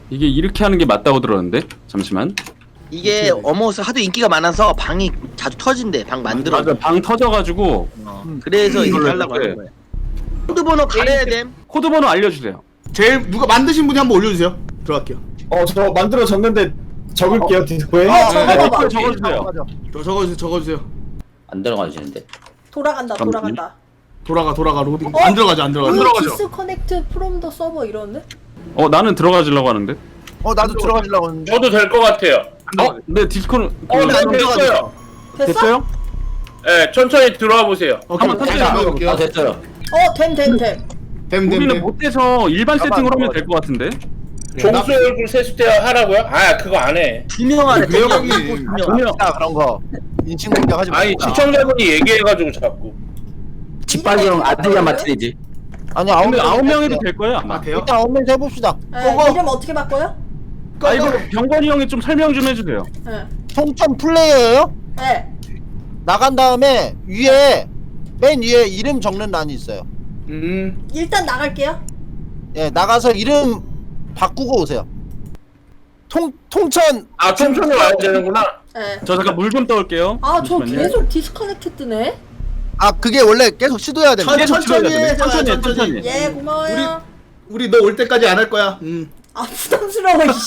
이게 이렇게 하는 게 맞다고 들었는데 잠시만. 이게 어머스 하도 인기가 많아서 방이 자주 터진대. 방 만들어. 맞아, 방 터져가지고. 그래서 이거 이걸로 하려고 해볼게. 하는 거야. 코드 번호 가려야 됨. 코드 번호 알려주세요. 제일 누가 만드신 분이 한번 올려주세요. 들어갈게요. 저 만들어졌는데 적을게요 디스코에. 적어봐. 적어주세요. 적어주세요. 안 들어가시는데. 돌아간다 돌아간다. 돌아가 로딩. 안 들어가죠. 안 들어가죠. 디스커넥트 프롬 더 서버 이러는데? 나는 들어가지려고 하는데. 나도 들어가려고 했는데. 저도 될 것 같아요. 네 디스코는 네, 됐어요. 됐어? 됐어요? 네, 천천히 들어와 보세요. 오케이. 한번 다시 한번 해볼게요. 됐어요. 됨. 우리는 못해서 일반 세팅으로 하면 될 것 같은데. 종수 얼굴 세수대야 하라고요? 아, 그거 안 해. 2명 안에 그래요, 두 형님. 명. 그런 거 인칭 공격하지 아니, 말자. 시청자분이 얘기해가지고 자꾸. 짓밟이형 아들이야 마트리지. 아니 근데 9명 해도 돼. 될 거예요 아마. 돼요? 일단 9명 해봅시다. 이름 어떻게 바꿔요? 이거 병건이 형이 좀 설명 좀 해주세요. 네. 통천 플레이어예요. 네. 나간 다음에 위에 맨 위에 이름 적는 란이 있어요. 일단 나갈게요. 예, 나가서 이름 바꾸고 오세요. 통천. 아, 천천히 와야 되는구나. 네. 저 잠깐 물 좀 떠올게요. 저 잠시만요. 계속 디스커넥트 뜨네. 그게 원래 계속 시도해야 됩니다. 천천히 해. 천천히. 예 고마워요. 우리 너 올 때까지 안 할 거야. 부담스러워 이씨.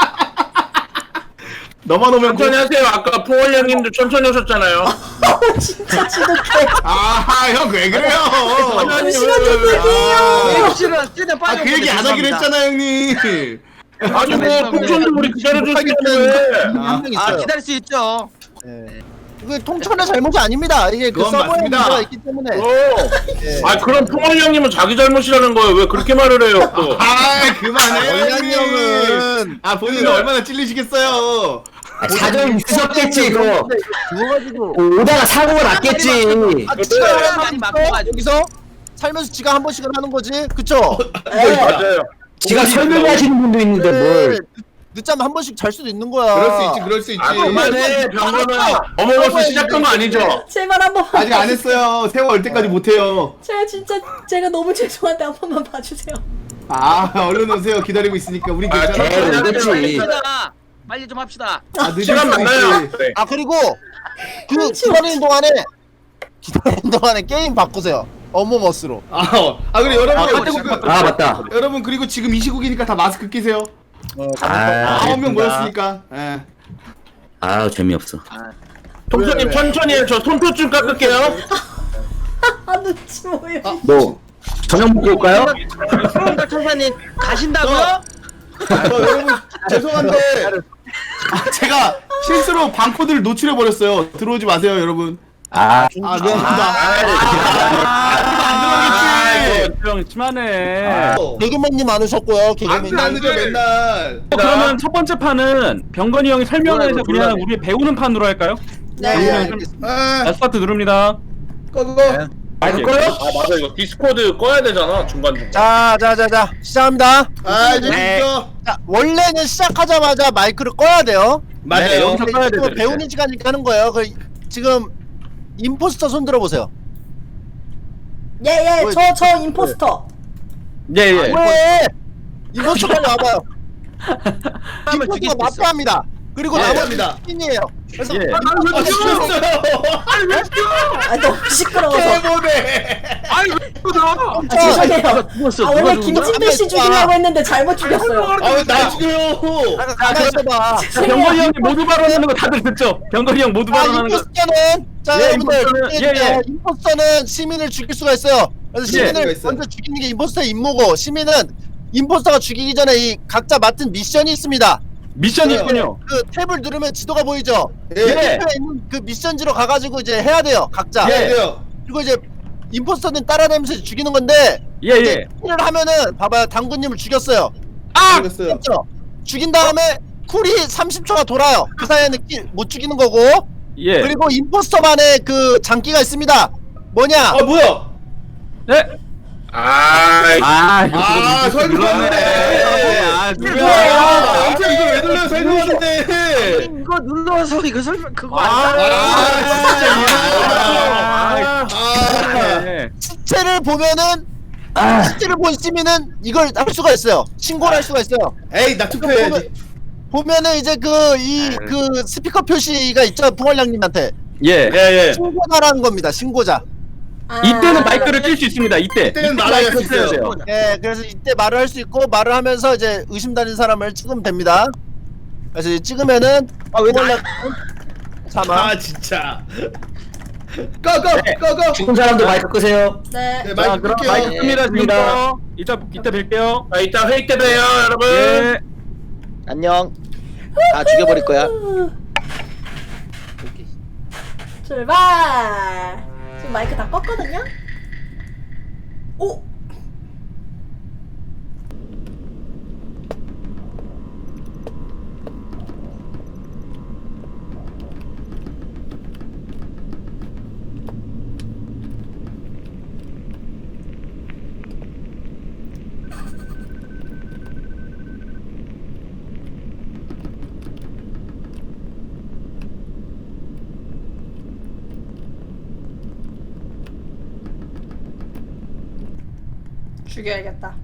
너만 오면 천천히 하세요. 아까 포월 형님도 천천히 오셨잖아요. 진짜 지독해. 형 왜 그래요? 시간 좀 얘기해요. 혹시나 쓰는 빨리. 그 얘기 안 하기로 했잖아 형님. 아니, 뭐, 풍선도 우리 기다려줬는데. 한명 있어요. 기다릴 수 있죠. 이게 통천의 잘못이 아닙니다. 이게 그 그건 서버에 맞습니다. 문제가 있기 때문에. 아, 그럼 포월 형님은 자기 잘못이라는 거예요. 왜 그렇게 말을 해요, 또? 그만해 원장님 형은 본인은 얼마나 찔리시겠어요. 사정 있으셨겠지 이거. 죽어가지고 오다가 사고가 났겠지. 지가 많이 바꿔가지고. 여기서 살면서 지가 한 번씩은 하는 거지, 그쵸? 맞아요. 지가 설명하시는 분도 있는데 뭘. 늦잠 한 번씩 잘 수도 있는 거야. 그럴 수 있지. 아, 그만해. 병원은 어머머스 시작한 거 아니죠? 제발 한 번만. 아직 안 했어요. 세월 올 때까지 못 해요. 제가 너무 죄송한데 한 번만 봐주세요. 얼른 오세요. 기다리고 있으니까 우리 아, 괜찮아. 그렇지. 빨리 좀 합시다. 늦을 시간 수도 만나요. 있지. 네. 그리고 그 기다리는 동안에 게임 바꾸세요. 어머머스로. 그래 여러분 지금 맞다. 여러분 그리고 지금 이 시국이니까 다 마스크 끼세요. 9명 모였으니까. 예. 재미없어. 통수님 천천히 해요. 저 손톱 좀 깎을게요. 눈치 보여. 뭐 저녁 먹고 올까요? 프롬더 천사님 가신다고요? 여러분 죄송한데 제가 실수로 방코드를 노출해 버렸어요. 들어오지 마세요, 여러분. 미안합니다. 형 심하네. 개그맨님 안 오셨고요. 개그맨님. 안 늦어 맨날. 그러면 첫 번째 판은 병건이 형이 설명해서 그냥 우리 배우는 판으로 할까요? 네. 스타트 누릅니다. 마이크 꺼요? 맞아. 이거 디스코드 꺼야 되잖아. 중간중간. 자, 시작합니다. 이제 됐죠. 자, 원래는 시작하자마자 마이크를 꺼야 돼요. 맞아요. 여기서 꺼야 돼. 이거 배우는 시간이니까 하는 거예요. 지금 임포스터 손 들어보세요. 예, 저 임포스터. 예. 왜? 임포스터 빨리 와봐요. 사람을 죽일 임포스터 수 있어. 마피아입니다. 그리고 나머지는 신이에요. 그래서 너무 시끄러워서. 해보네. 죄송해요. 죽었어. 원래 김진배 씨 죽이려고 했는데 잘못 죽였어요. 왜 나 죽여요? 가만히 있어봐. 병건이 형이 모두 발언하는 거 다들 듣죠? 병건이 형 모두 발언하는 거. 임포스터는 임포스터는, 임포스터는 시민을 죽일 수가 있어요. 그래서 시민을 먼저 죽이는 게 임포스터의 임무고, 시민은 임포스터가 죽이기 전에 이 각자 맡은 미션이 있습니다. 미션이 있군요. 그 탭을 누르면 지도가 보이죠? 예. 탭에 있는 그 미션지로 가가지고 이제 해야 돼요, 각자. 그리고 이제 임포스터는 따라다니면서 죽이는 건데, 예. 를 하면은 봐봐요, 당구님을 죽였어요. 그렇죠? 죽인 다음에 쿨이 30초가 돌아요. 그 사이에는 못 죽이는 거고. 예. 그리고 임포스터만의 그 장기가 있습니다. 뭐냐? 뭐야? 네. 설명하는데. 누구야? 이거 왜 눌러요? 설명하는데. 이거 눌러서 이거 설명 그거 아, 시체를 보면은 실제를 본 시민은 이걸 할 수가 있어요. 신고를 할 수가 있어요. 에이 나 투표해야지. 보면은 이제 그 스피커 표시가 있죠, 풍월량님한테. 예. 신고자라는 겁니다. 신고자. 이때는 마이크를 낄 수 있습니다. 이때는 말을 할 수 있어요. 예, 그래서 이때 말을 할 수 있고 말을 하면서 이제 의심되는 사람을 찍으면 됩니다. 그래서 이제 찍으면은 풍월량 사망. 아 진짜. 꺼. 죽은 사람도 마이크 끄세요. 네. 네 자, 마이크 그럼 끌게요. 마이크 끕니다. 지금부터. 이따 뵐게요. 자, 이따 회의 때 봬요, 여러분. 예. 안녕. 다 죽여버릴 거야. 출발. 지금 마이크 다 껐거든요. 오. 죽여야겠다.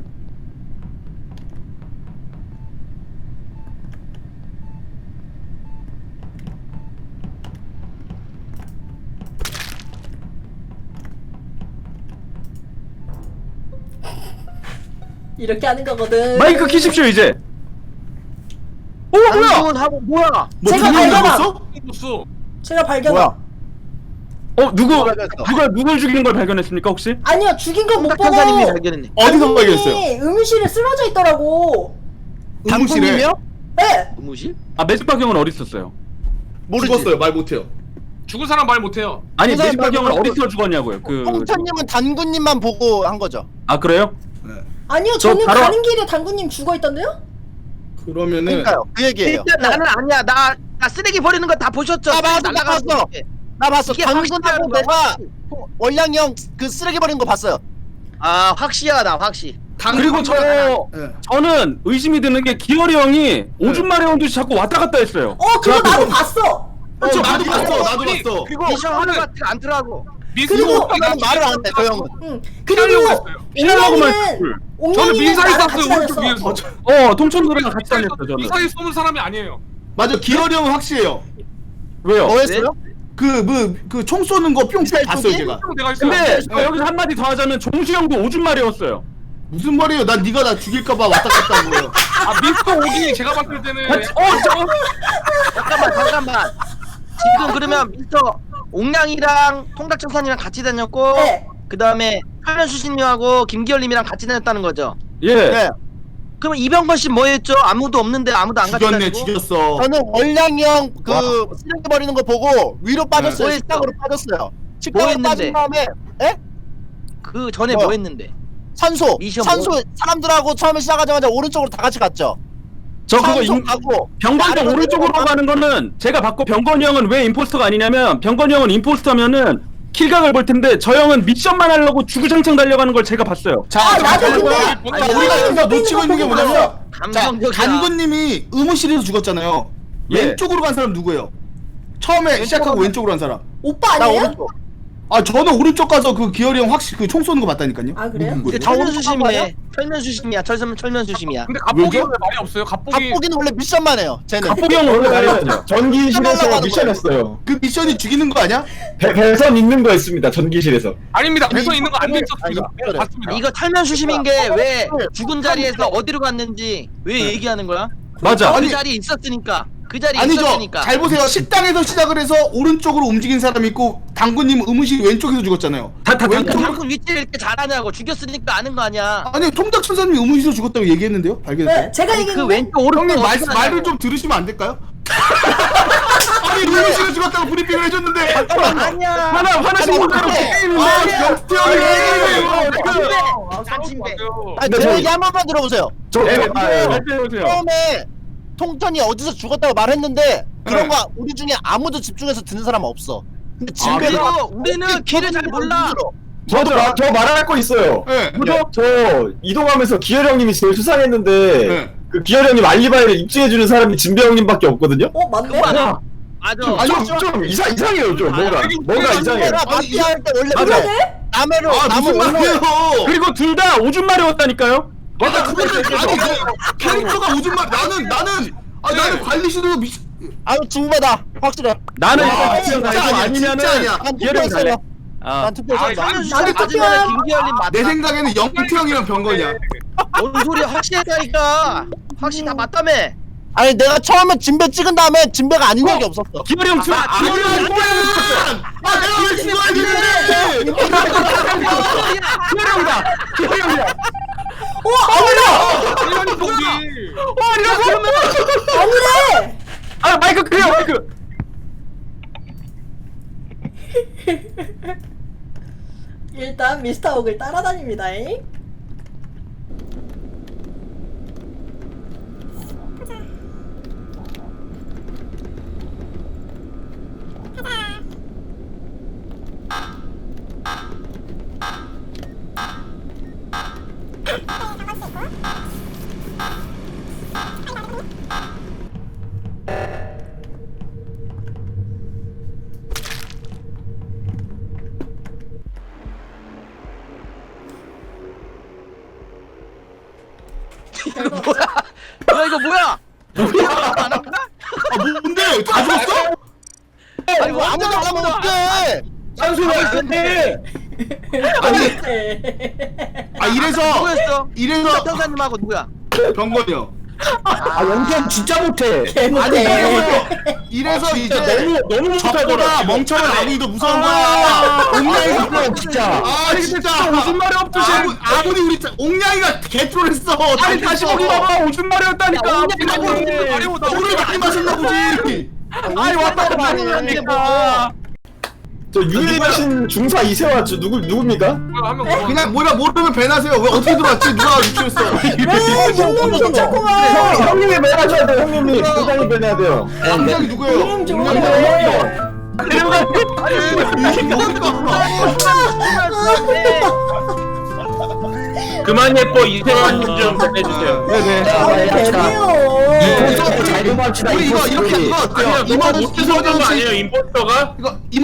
이렇게 하는 거거든. 마이크 키십시오 이제. 오 뭐야? 당근하고 뭐야? 뭐 제가 두명 발견함. 죽었어? 제가 발견. 뭐야? 누굴 죽인 걸 발견했습니까 혹시? 아니요, 죽인 건 못 보고. 박탄사님이 발견했네. 어디서 발견했어요? 의무실에 쓰러져 있더라고. 의무실에 당분님이요? 네. 의무실? 아 매직박 형은 어디 있었어요? 모르지. 죽었어요. 말 못해요. 죽은 사람 말 못해요. 아니 그 사람 매직박 형은 말고 어디서 죽었냐고요? 홍천님은 단군님만 보고 한 거죠. 아 그래요? 아니요, 저 저는 바로- 가는 길에 당구님 죽어 있던데요? 그러면은 그러니까요. 그 얘기예요. 일단 나는 아니야. 나 쓰레기 버리는 거 다 보셨죠? 나 봤어, 날아가는 나 봤어. 거. 나 봤어. 이게 당근하고 확실한 거야, 내가 확실. 월량이 형 그 쓰레기 버리는 거 봤어요. 아 확실하다 확실. 그리고 저는 의심이 드는 게 기어리 형이 오줌 마려운 듯이 자꾸 왔다 갔다 했어요. 그거 나도 봤어. 나도 봤어. 그리고 미션 하는 것 같지가 않더라고. 그리고- 나는 말을 안 해, 저 형은. 응. 피하려고 그리고 했어요. 피하려고만 옹냥이는 했어요. 저는 옹냥이는 민사에 나랑 같이 쌌어요, 오른쪽 다녔어. 위에서. 통천도랑 같이 다녔어요 저는. 민사에 쏘는 사람이 아니에요. 맞아. 기열이 형은 확실해요. 왜요? 뭐 했어요? 그 총 쏘는 거 뿅뿅 봤어요 제가. 내가 있어요. 근데 저 여기서 한마디 더 하자면 종수 형도 오줌 마려웠어요. 무슨 말이에요? 난 네가 나 죽일까봐 왔다 갔다 한 거예요. 아 미스터 오기 제가 봤을 때는 잠깐만. 지금 그러면 미스터 옥량이랑 통닭청산이랑 같이 다녔고 네. 그 다음에 설면수신님하고 김기열님이랑 같이 다녔다는 거죠. 예. 네. 그럼 이병건 씨 뭐했죠? 아무도 없는데 아무도 안 같이 죽였네 다니고. 죽였어. 저는 월량이 형 그 쓰레기 버리는 거 보고 위로 빠졌어요. 뭐 식당으로 빠졌어요. 식당으로 했는데? 빠진 다음에 그 전에 뭐야? 뭐 했는데? 산소 미션 사람들하고 처음에 시작하자마자 오른쪽으로 다 같이 갔죠. 저 그거 산소 가고 병건이 나를 오른쪽으로 내려가- 가는 거는 제가 봤고 병건이 형은 왜 임포스터가 아니냐면 병건이 형은 임포스터면은 킬각을 볼 텐데 저 형은 미션만 하려고 주구장창 달려가는 걸 제가 봤어요. 아, 나도 근데 아니 우리가 여기서 놓치고 있는 게 뭐냐면 자 감성적이야. 단군님이 의무실에서 죽었잖아요. 예. 왼쪽으로 간 사람 누구예요? 처음에 시작하고 왼쪽으로 간 사람. 오빠 나 아니에요? 오른쪽. 아 저는 오른쪽 가서 그 기열이 형 확실히 그 총 쏘는 거 봤다니까요. 아, 그래요? 누군 이제 거예요? 철면수심이네. 철면수심이야. 철면수심이야. 근데 갑복이 왜죠? 왜 말이 없어요? 갑복이 갑복이는 원래 미션만 해요. 쟤는. 갑복이 형은 원래 말이었죠. 전기실에서 미션했어요. 그 미션이 죽이는 거 아니야? 배선 있는 거였습니다. 전기실에서. 아닙니다. 배서 있는 거 안 돼 있었습니다. 아니, 내가 봤습니다. 이거 철면수심인 게 왜 죽은 자리에서 어디로 갔는지 왜 얘기하는 거야? 맞아. 그 자리에 있었으니까. 그 자리에 아니죠. 있었으니까. 잘 보세요. 식당에서 시작을 해서 오른쪽으로 움직인 사람 있고 당군님 의무실 왼쪽에서 죽었잖아요. 당근 위치를 이렇게 잘하냐고. 죽였으니까 아는 거 아니야. 아니 통닭 천사님이 의무실에서 죽었다고 얘기했는데요? 발견했어요? 네, 제가 그 얘기했는데. 왼쪽 오른쪽 형님 어디서 말을 하냐고. 좀 들으시면 안 될까요? 아니 의무실에서 죽었다고 브리핑을 해줬는데 아니야. 하나씩 문제로 영태 형이 짠친데. 아니, 제 얘기 한 번만 들어보세요. 해보세요. 처음에 통턴이 어디서 죽었다고 말했는데 그런 거 우리 중에 아무도 집중해서 듣는 사람 없어. 근데 그리고 우리는 길을 잘 몰라. 저도 저 말할 거 있어요. 네. 저 이동하면서 기열 형님이 제일 수상했는데 네. 그 기열 형님 알리바이를 입증해주는 사람이 진배 형님밖에 없거든요. 맞네. 그거 맞아. 맞아. 아니 좀 이상해요 좀 뭐가 이상해요. 마피아 할 때 원래 그러네? 그래. 남해로 아 남해 무슨 말이에요? 그리고 둘 다 오줌 마려웠다니까요. 맞아 그거는 아니 캐릭터가 오줌 말 나는 나는 관리실도 미친. 아유 중매다 확실해. 나는 아, 일단 진짜 기어령 아니야, 아니면은 진짜 아니야. 난 기어령 갈래. 투표했어요. 아. 난 투표했어. 나도 맞으면 김기열님 맞다. 내 생각에는 영태형이랑 병건이야. 뭔 소리야? 확실하다니까. 확실히 다 맞다며. 아니 내가 처음에 진배 찍은 다음에 진배가 아닌 적이 없었어. 기어령 형 내가 왜 죽어야 되는데? 기어령이다. 기어령이다. 일반인 거기. 아니래. 아 마이크 그래요 마이크. 일단 미스터 옥을 따라다닙니다. 뭐야? 야 이거 뭐야? 아 뭔데? 다 죽었어? 아니 뭐 아무도 안 하면 어떡해. 짠소리가 있었네. 아니 네. 아 이래서 누구였어? 형사님하고 누구야? 병건이 형. 아 연기형 진짜 못해. 아니 개못해. 이래서 이제 너무 적보다 못하더라. 멍청한 아군이 더 무서운 거야. 옹량이가 진짜. 아 진짜 오줌 마려웠듯이. 아군이 우리 옹냥이가 개트롤했어. 아니 다시 보기 봐봐 오줌 마려웠다니까. 물을 많이 마셨나 보지. 아니 왔다 갔다 하니까. 저 유일하신 중사 이세화 저 누굽니까? 한명 더. 그냥 뭐라 모르면 배나세요. 왜 어떻게 들어왔지? 누가 유추했어? 왜 형님이 괜찮구만. 형님이 매하셔야 돼요. 형님이 굉장히 배내야 돼요. 옹냥이 누구예요? 형님 좋아요. 그만 예뻐 이태원 좀 해주세요. 네네. 개네요. 잘 좀 합시다. 우리 이거 이렇게 이거 어때요? 아니요 너무 못해서 그런 거 아니에요 임포스터가? 이거